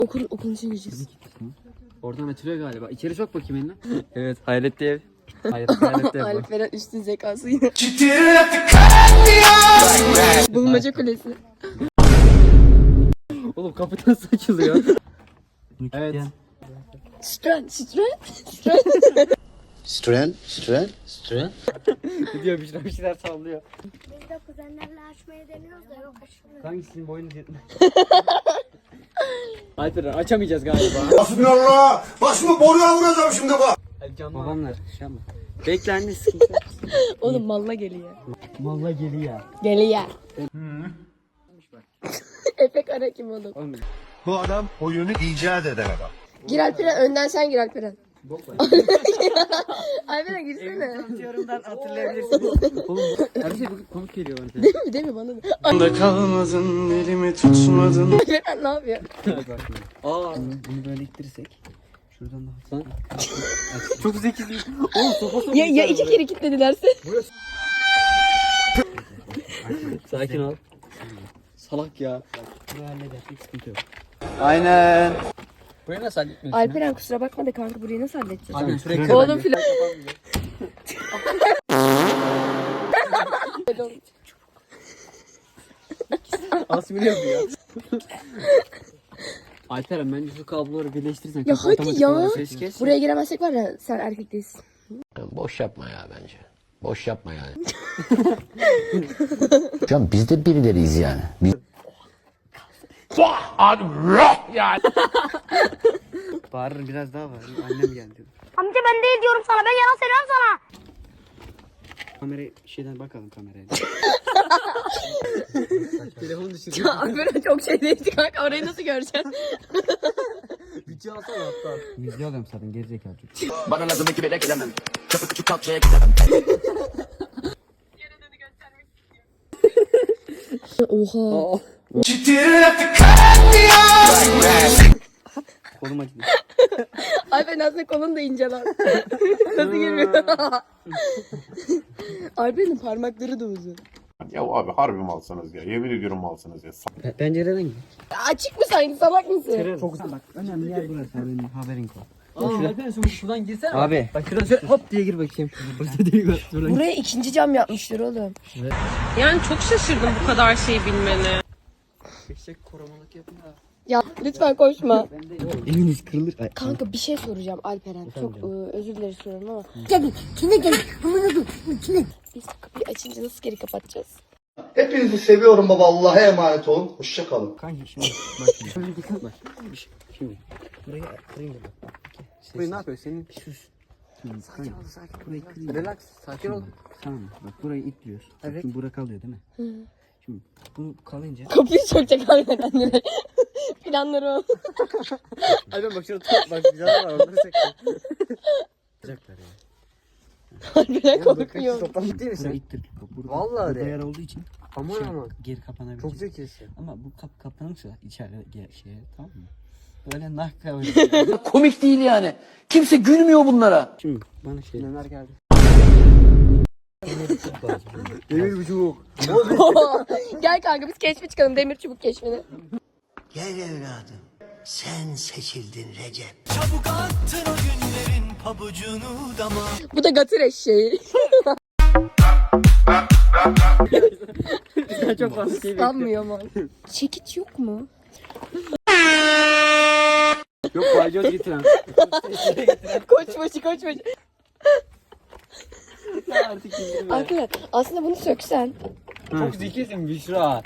Okulun içine gireceğiz. Oradan açılıyor galiba. İçeri sok bakayım eline. Evet, hayaletli ev. Hayaletli ev. Alperen üstün zekası yine. Bulmaca kulesi. Oğlum kapı nasıl açılıyor? Evet. Stren. Ne diyor bir şeyler sallıyor. Biz de kuzenlerle açmayı deniyoruz da yok açmıyor. Hangisinin boynu yetmez? Alperen açamayacağız galiba. Bismillah. Başımı boruya vuracağım şimdi bak. Babamlar şey yapma. Bekle anne sıkıntı yok. Oğlum malla geliyor. Malla geliyor. Geliyor. Efe Kara kim oğlum? Bu adam oyunu icat eden adam. Gir Alperen, önden sen gir Alperen. Alperen girsene. Yorumdan hatırlayabilirsiniz. Oğlum her şey bugün komik geliyor bana. Değil mi bana da? Anda kalmadın, elimi tutmadın. Alperen ne yapıyor? Aa bunu böyle ittirirsek. Şuradan da lan. Çok zekisin. Oğlum sopa Ya iki kere kilitledilerse? Sakin ol. Salak ya. Burayı halledersek sıkıntı yok. Aynen. Burayı nasıl halletmiyorsun? Alperen kusura bakma da kanka burayı nasıl halledeceğiz? Abi sürekli Oğlum filan. Asmini yapıyor. Alperen bence şu kabloları birleştirirsen. Ya kapı hadi otomatik ya. olarak ses kes. Buraya giremezsek var ya sen erkek değilsin. Boş yapma ya bence. Boş yapma yani. Can biz de birileriyiz yani. Bağırır biraz daha var. Annem geldi. Amca ben değil diyorum sana, ben yalan söylüyorum sana. Kamerayı şeyden bakalım kameraya. Telefonu düşürdüm. Ya Alperen çok şey değişti kanka, orayı nasıl göreceksin? Bütçe alsana hatta. Müziği alıyorum zaten gerizekalı çocuk. Bana lazım iki bile gelemem. Çapı küçük kalçaya gidemem. Oha. Kolum acıdı. Alperen aslında kolun da ince lan. Nasıl girmiyor? Alperen'in parmakları da uzun. Ya abi harbi mi alsanız ya? Yemin ediyorum mu alsanız ya? Pencereden gir. Açık mı sanki, salak mısın? Çok güzel bak. Önemli yer burası. Haberin kol. Alperen şuradan girsene. Abi. Bak şuradan şöyle hop diye gir bakayım. Burada değil bak. Buraya ikinci cam yapmışlar oğlum. Yani çok şaşırdım bu kadar şey bilmeni. Eşek korumalık yapın ha. Ya lütfen koşma. Eliniz kırılır. Ay, Kanka bir şey soracağım Alperen. Çok özür dileriz soruyorum ama. Biz kapıyı açınca nasıl geri kapatacağız? Hepinizi seviyorum baba. Allah'a emanet olun. Hoşça kalın. kanka şimdi bak şimdi. Şöyle dikkat bak. Şimdi. Burayı kırayım da bak. Burayı ne yapıyorsun? Senin sus. Sakin ol sakin. Burayı kırayım. Relax. Sakin ol. Tamam bak burayı itliyoruz. Evet. Şimdi bura kalıyor değil mi? Hı. Şimdi bu kalınca. Kapıyı sökecek Alperen. Planları o. Alperen bak şurada top bak güzel var onları çektim. Yapacaklar ya. Alperen korkuyor. Toplam değil mi sen? İttir. Vallahi Burada yer olduğu için Aman aman. geri kapanabilir. Çok zekisin. Ama bu kapanırsa içeride şeye, tamam mı? Böyle nakka böyle. Komik değil yani. Kimse gülmüyor bunlara. Şimdi bana şey. Neler geldi? Demir buçuk. Gel kanka biz keşfe çıkalım, demir çubuk keşfine. Gel evladım, sen seçildin Recep. Bu da gatır eşeği. Sen çok fazla şey bekliyorsun. Sanmıyor mu? Çekiç yok mu? Yok balyoz getiren. Koçbaşı. Artık indirme. Arkadaşlar aslında bunu söksen. Çok zekisin Büşra.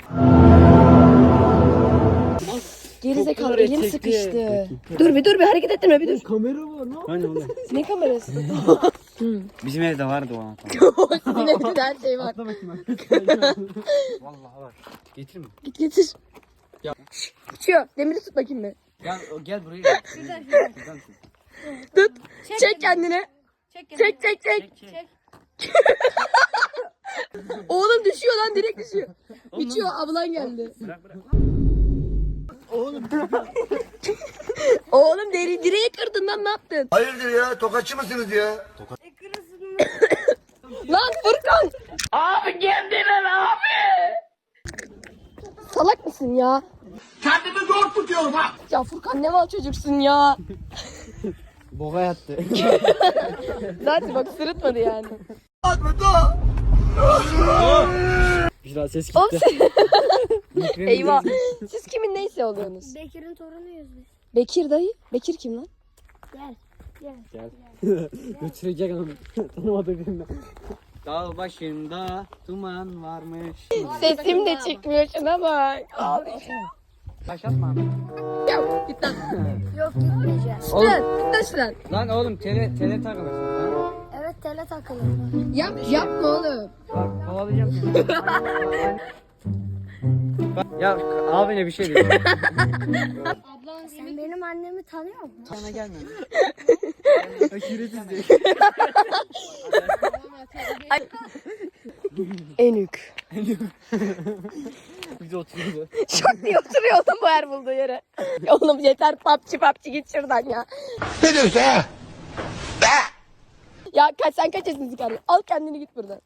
Gerizekalı Çok elim çekti. sıkıştı. Dur bir hareket ettirme bir dur. Kamera var lan. Hani oğlum. Ne kamerası? Bizim evde vardı o anahtar. Sizin evde de her şey var. Atla bakayım. Vallahi var. Getir mi? Git getir. Ya. Uçuyor. Demiri tut bakayım bir. Gel buraya. Tut. Çek kendini. Çek. Oğlum düşüyor lan, direkt düşüyor. Uçuyor, ablan geldi. Bırak. Oğlum direği kırdın lan, ne yaptın? Hayırdır ya? Tokatçı mısınız ya? Lan Furkan. Abi kendine abi. Salak mısın ya? Kendimi zor tutuyorum ha. Ya Furkan ne mal çocuksun ya. Boğa yattı. Zaten bak sırıtmadı yani. Büşra ses Oğlum gitti. sen... Eyvah. Siz kimin neyse oluyorsunuz? Bekir'in torunuyuz biz. Bekir dayı. Bekir kim lan? Gel. Gel. Götürecek onu. Tanımadığı birinden. Dağ başında duman varmış. Sesim de çıkmıyor şuna bak. Abi. Başlatma. Ya git lan. Yok gitmeyeceğiz. Git lan. Git lan şuradan. Lan oğlum tele takılırsın lan. Evet tele takılır. Yapma oğlum. Bak kovalayacağım seni. Ya abine bir şey diyor. Sen benim annemi tanıyor musun? Sana gelme. Aşiretiz diyor. Enük. Bir de oturuyordu. Çok diye oturuyor oğlum bu her bulduğu yere. Oğlum yeter PUBG git şuradan ya. Ne diyorsun ha? Ya sen kaç yaşındasın kardeşim? Al kendini git buradan.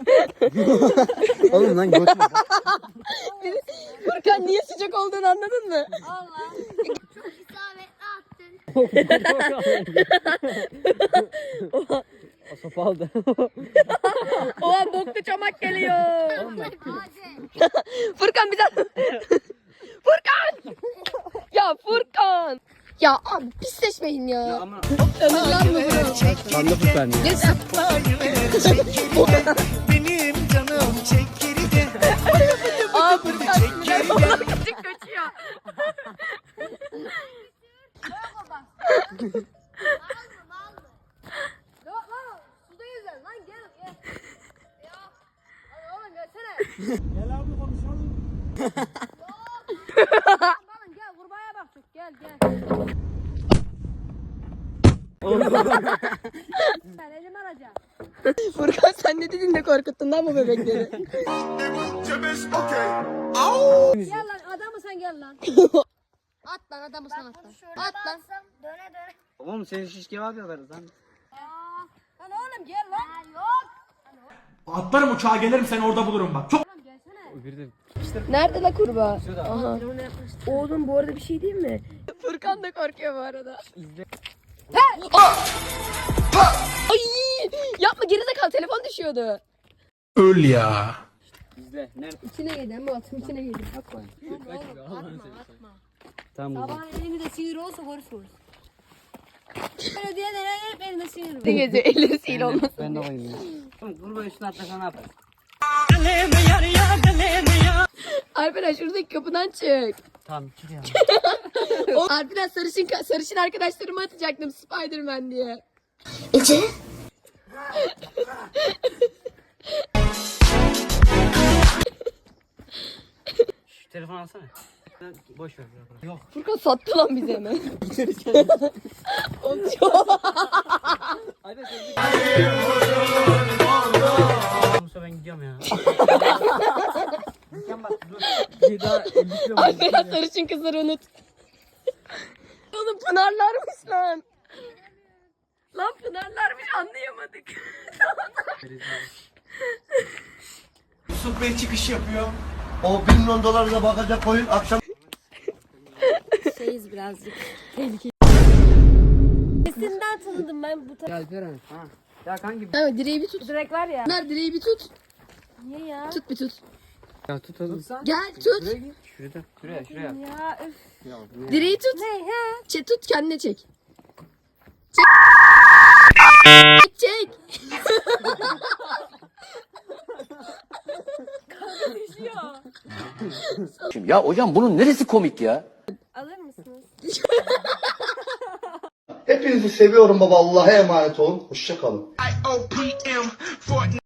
Oğlum lan götme. Furkan niye sıcak olduğunu anladın mı? Allah. Çok isabetli attın. O sopa aldı. Oha boklu çomak geliyor. Hadi. Furkan bir daha. Furkan! Ya Furkan! Ya abi pisleşmeyin ya. Ama Ömür lan mı bunu? ben de Furkan ya. Geç sen. Benim canım çek geride. Aa Furkan sinirler falan küçük kaçıyor. Yok lan suda yüzer lan gel. Ya. Hadi oğlum gelsene. Gel abi konuşalım. Lan gel kurbağaya baktık gel. Ben elimi alacağım. Furkan sen ne dedin de korkuttun lan bu bebekleri. Gel lan adamı sen gel lan. At lan adamı sen at lan. Şöyle At lan. baksam döne döne. Oğlum seni şiş kebap yaparız lan. Lan oğlum gel lan. Yok. Atlarım uçağa gelirim seni orada bulurum bak. Çok Oğlum gelsene. Bir de Nerede la kurbağa? Aha. Oğlum bu arada bir şey değil mi? Furkan da korkuyor bu arada. izle. Ay! Yapma gerizekalı telefon düşüyordu. öl ya. İzle. Nerede? İçine girdi ama altın içine girdi. Bakma. Tamam burada. Sabahın elinde sinir olsa görürsünüz. Böyle diye hep elinde sinir var. Ne geziyor? Elleri sihir olmasın. Ben de oynuyorum ya. Oğlum kurban üstüne atlasa ne yaparsın? Alperen şuradaki kapıdan çık. Tamam çıkıyor. Alperen sarışın arkadaşlarımı atacaktım Spiderman diye. Şu telefonu alsana. Boş ver. Yok. Furkan sattı lan bizi hemen. Oğlum Hadi sen Musa ben gidiyorum ya. Gideceğim bak dur. Bir daha 50 kilo Alperen sarışın kızları unut. Oğlum Pınarlarmış lan. Lan Pınarlarmış anlayamadık. Yusuf Bey çıkış yapıyor. O 1 milyon dolarına bakacak koyun akşam. Şeyiz birazcık. Tehlikeli. Sesinden tanıdım ben bu tarafı. Alperen. Ha. Ya kanki. Evet direği bir tut. Direkt var ya. Pınar direği bir tut. Niye ya? Tut bir tut. Ya tut oğlum. Gel tut. Şuraya git. Şuraya. Ya üf. Ya, bu ne? Direği tut. Ne he? Tut kendine çek. Çek. Ya hocam bunun neresi komik ya? Alır mısınız? Hepinizi seviyorum baba. Allah'a emanet olun. Hoşça kalın.